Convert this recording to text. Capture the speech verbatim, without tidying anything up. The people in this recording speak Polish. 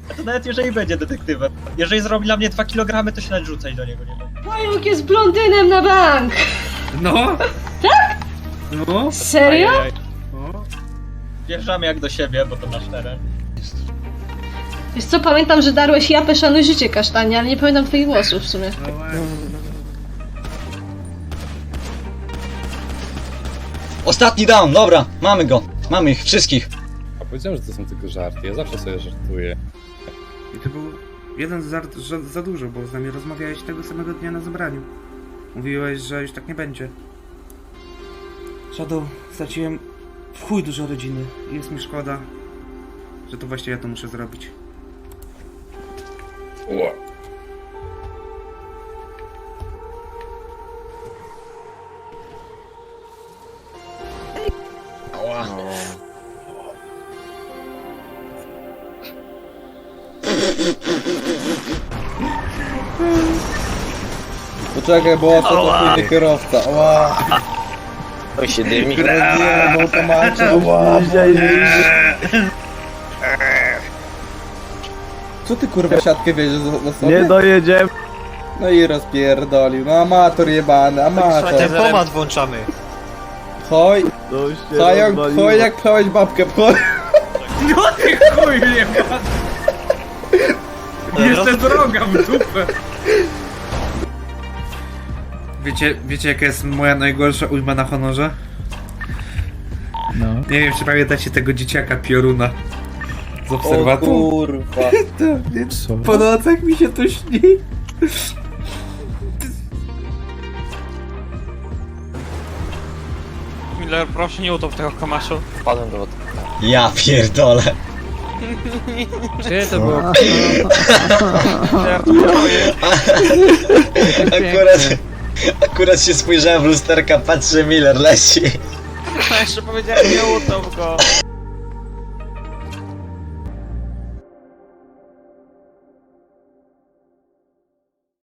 To nawet jeżeli będzie detektywem. Jeżeli zrobi dla mnie dwa kilogramy, to się nawet rzucać do niego nie będę. Pająk jest blondynem na bank! No! Tak? No! Serio? Ajajaj. No! Wjeżdżamy jak do siebie, bo to nasz teren. Wiesz co, pamiętam, że darłeś japę szanuj życie kasztanie, ale nie pamiętam twoich głosów w sumie. No właśnie. Ostatni down, dobra, mamy go. Mamy ich wszystkich. A powiedziałem, że to są tylko żarty, ja zawsze sobie żartuję. I to był jeden żart za, za dużo, bo z nami rozmawiałeś tego samego dnia na zebraniu. Mówiłeś, że już tak nie będzie. Shadow, straciłem w chuj dużo rodziny i jest mi szkoda, że to właśnie ja to muszę zrobić. Ała. Poczekaj, bo to to pójdzie kierowca. Ła! To się dymi. Nie, bo to macie. Ła! Co ty kurwa siatkę wiedziesz za sobie? Nie dojedziemy. No i rozpierdolił. No amator jebany, amator. Tempomat włączamy. Choj, To się pająk, rozwaliło. choj jak pchałeś babkę, pchoj. No ty chuj nie ma! Jeszcze droga w dupę! Wiecie, wiecie jaka jest moja najgorsza ujma na honorze? No. Nie wiem, czy pamiętacie tego dzieciaka Pioruna z O obserwatu? kurwa. Co? Po nocach mi się to śni. Miller, proszę nie utop tego kamaszu. Wpadłem do wody. Ja pierdolę. Czy to było? Akurat, akurat się spojrzałem w lusterka, patrzę, Miller leci. Jeszcze powiedziałem, nie utop go.